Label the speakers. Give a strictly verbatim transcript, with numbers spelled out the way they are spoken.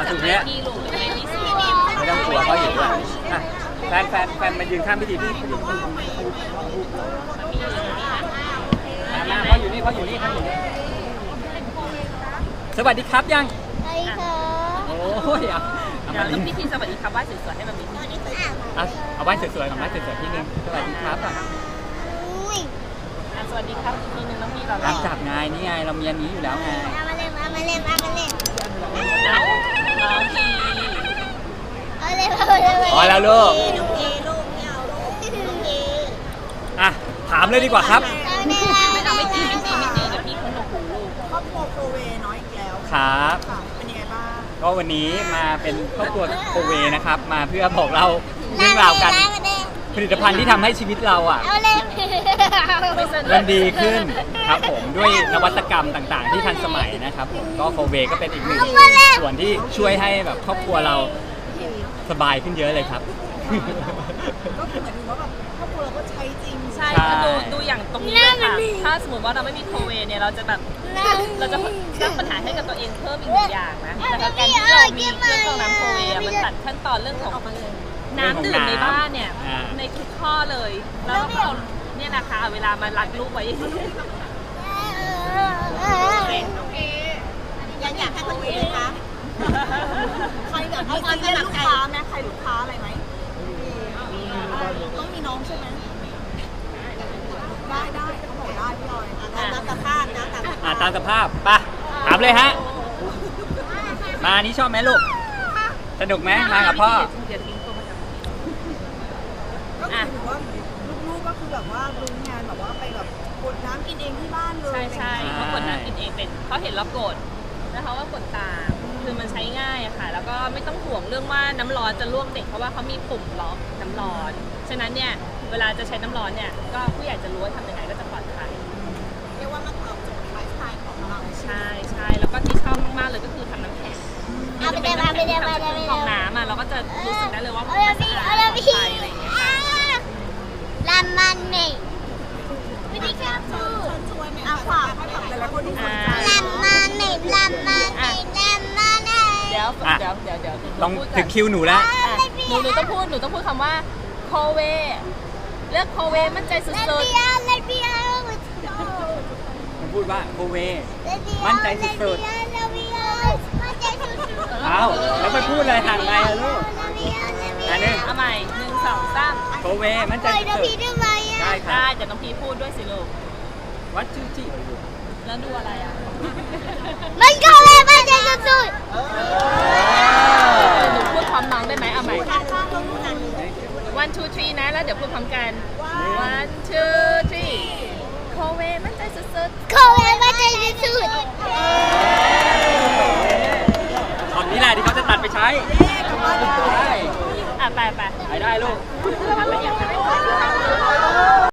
Speaker 1: สูงเนี้ย
Speaker 2: พี่ลูกไม่พี่สูง
Speaker 1: ไม่ต้องกลัวเขาอยู่ด้วยอ่ะแฟนแฟนแฟนมายืนข้างพิธีพี่มามาเขาอยู่นี่เขาอยู่นี่เขาอยู่นี่สวัสดีครับยัง
Speaker 3: ใช่ค่ะ
Speaker 1: โอ้ยเอาเอา
Speaker 2: เดี๋ย
Speaker 1: มาว
Speaker 2: ต้องพี่ทีสวัสดีครับว่าสวยๆให้มันมี
Speaker 1: เอาเอาไว้สวยๆกับไว้สวยๆที่นึงสวัสดีครับก่อน
Speaker 3: อุ้ย
Speaker 2: สวัสดีครับทีนึงน้องพี่เรา
Speaker 1: ตามจับไงนี่ไงเรามีอันนี้อยู่แล้วไง
Speaker 3: เอามาเล่นเอามาเล่นเอามาเล่น
Speaker 2: น้องพี่
Speaker 3: เอาเล่นเอาเล่น
Speaker 1: พอแล้วลูก
Speaker 3: ลูกเอลูกไม่เอาลูกลูกเอ
Speaker 1: อ่ะถามเลยดีกว่าครับ
Speaker 3: เอาเล่นเอา
Speaker 2: ไม่
Speaker 3: เล่น
Speaker 2: เอาไม่ตีไม่ตีไม่ตีเดี๋ยวพี่คนหนวกหูลูก
Speaker 4: ครอบครัวโปรเวน้อยอีกแล้ว
Speaker 1: ครับ
Speaker 4: ค่ะเป็นยังไงบ้าง
Speaker 1: ก็วันนี้มาเป็นครอบครัวโคเวนะครับ มาเพื่อบอกเราเรื่องราวกัน
Speaker 3: เอาเล่น
Speaker 1: ผลิตภัณฑ์ที่ทำให้ชีวิตเราอ่ะ
Speaker 3: เอาเล่น
Speaker 1: มันดีขึ้นครับผมด้วยนวัตกรรมต่างๆ ที่ทันสมัยนะครับผมก็โคเวก็เป็นอีกหนึ่งส่วนที่ช่วยให้แบบครอบครัวเราสบายขึ้นเยอะเลยครับ
Speaker 4: ก็คือหมายถึงว่าแบบครอบครัวเราก็ใช้จริง
Speaker 2: ใช่คือดูดูอย่างตรงนี้เลยค่ะถ้าสมมติว่าเราไม่มีโคเวเนี่ยเราจะแบบเราจะสร้างปัญหาให้กับตัวเองเพิ่มอีกหนึ่งอย่างนะแต่การที่เรามีเครื่องกรองน้ำโคเวมันตัดขั้นตอนเรื่องของน้ำดื่มในบ้านเนี่ยในทุกข้อเลย แล้วก็เอาเนี่ยนะคะเวลามารักลูกไว้
Speaker 4: ยังอยากให้คนอื่นไหมคะใครแบบมีซีเรียสลูกค้าไหมใครลูกค้าอะไรไหมต้องมีน้องใช่ไหมได้ได้เขาบอกได้พี่ลอยตามสภาพนะตาม
Speaker 1: อ่าตามสภาพไปถามเลยฮะ มานี่ชอบไหมลูก สนุกไหมมากับพ่อ
Speaker 2: เดี๋ยวทิ้งตัวมาจาก
Speaker 4: ก็คือถือว่าลูกๆก็คือแบบว่ารู้งานแบบว่าไปแบบกดน้ำกินเองที่บ้านเลย
Speaker 2: ใช่ใช่เขากดน้ำกินเองเป็นเขาเห็นเรากดแล้วเขาก็กดตามคือมันใช้ง่ายอะค่ะ แล้วก็ไม่ต้องห่วงเรื่องว่าน้ำร้อนจะลวกเด็กเพราะว่าเขามีปุ่มล็อกน้ำร้อนฉะนั้นเนี่ยเวลาจะใช้น้ำร้อนเนี่ยก็ผู้ใหญ่จะรู้ว่าทำยังไงก็จะปลอดภัย
Speaker 4: เรียกว่ามันตอบโจทย์ไลฟ์สไตล์ของเรา
Speaker 2: ใช่ใช่แล้วก็ที่ชอบมากๆเลยก็คือทำน้ำแข็ง
Speaker 3: เอาไปเดี๋ยวเอาไปเดี๋ยวเอาไปเดี๋ยว
Speaker 2: ฟองน้ำอะเราก็จะรู้สึกได้เลยว่า
Speaker 3: เอา
Speaker 2: มัน
Speaker 3: เดี๋ยว
Speaker 2: สะ
Speaker 3: พี่
Speaker 2: อา
Speaker 3: เอา
Speaker 2: ด
Speaker 3: เดี๋ยว
Speaker 2: ปลอด
Speaker 3: พี่
Speaker 2: ภัยอะไรอย่างเงี้ยค่ะ
Speaker 3: ลามันเมย์วิธีการพูด
Speaker 4: ช่วยไหมอ่ะฝากให้แบบหลายๆคนที่สนใจ
Speaker 3: ลามันเมย์ลามันเมย์ลามันเมย์
Speaker 2: เดี๋ยว
Speaker 1: อ่ะ
Speaker 2: เดี๋ยวเดี๋ยวเดี๋ยว
Speaker 1: ต้อง
Speaker 2: พูดก่
Speaker 1: ถึ
Speaker 2: อน
Speaker 1: งคิวหนูแล้ว
Speaker 2: อ่ะหนูหนูต้องพูดหนูต้องพูดคำว่าโคเวเลือกโคเวมั่นใจสุ
Speaker 3: เล
Speaker 2: ด
Speaker 3: เบียเลเบีย
Speaker 1: มันพูดว่าโคเว
Speaker 3: เลเบีย
Speaker 1: มั่นใจสุด
Speaker 3: เลเบียมั่นใจสุด
Speaker 1: เอ้าแล้วไปพูดอะไรห่างไกลอะลูก
Speaker 3: เลเบียเลเบีย
Speaker 1: อันนี้
Speaker 2: ๆเอาใหม่หนึ่งสองสาม
Speaker 1: โคเวมั่นใจ
Speaker 3: ปล่อยเดี๋ยว
Speaker 1: สุด
Speaker 3: พี่ได้ไหม
Speaker 1: ๆได้
Speaker 3: อ่ะ
Speaker 1: ครั
Speaker 2: ได้
Speaker 1: บ
Speaker 2: เดี๋ยวน้องพีพูดด้วยสิลูก
Speaker 1: วัดชื่อจิ
Speaker 2: แล้วดูอะไรอ่ะ
Speaker 3: มันก็เลยมั่นใจสุด
Speaker 2: หนูพูดพร้อมน้องได้ไหมเอาใหม่ one two three นะแล้วเดี๋ยวพูดพร้อมกัน one two three โคเวมั่นใจสุด
Speaker 3: ๆเขาเลยมั่นใจสุด
Speaker 1: ตอนนี้แหละที่เขาจะตัดไปใช้ได้
Speaker 2: ๆอ่ะไปไป
Speaker 1: ไปได้ลูก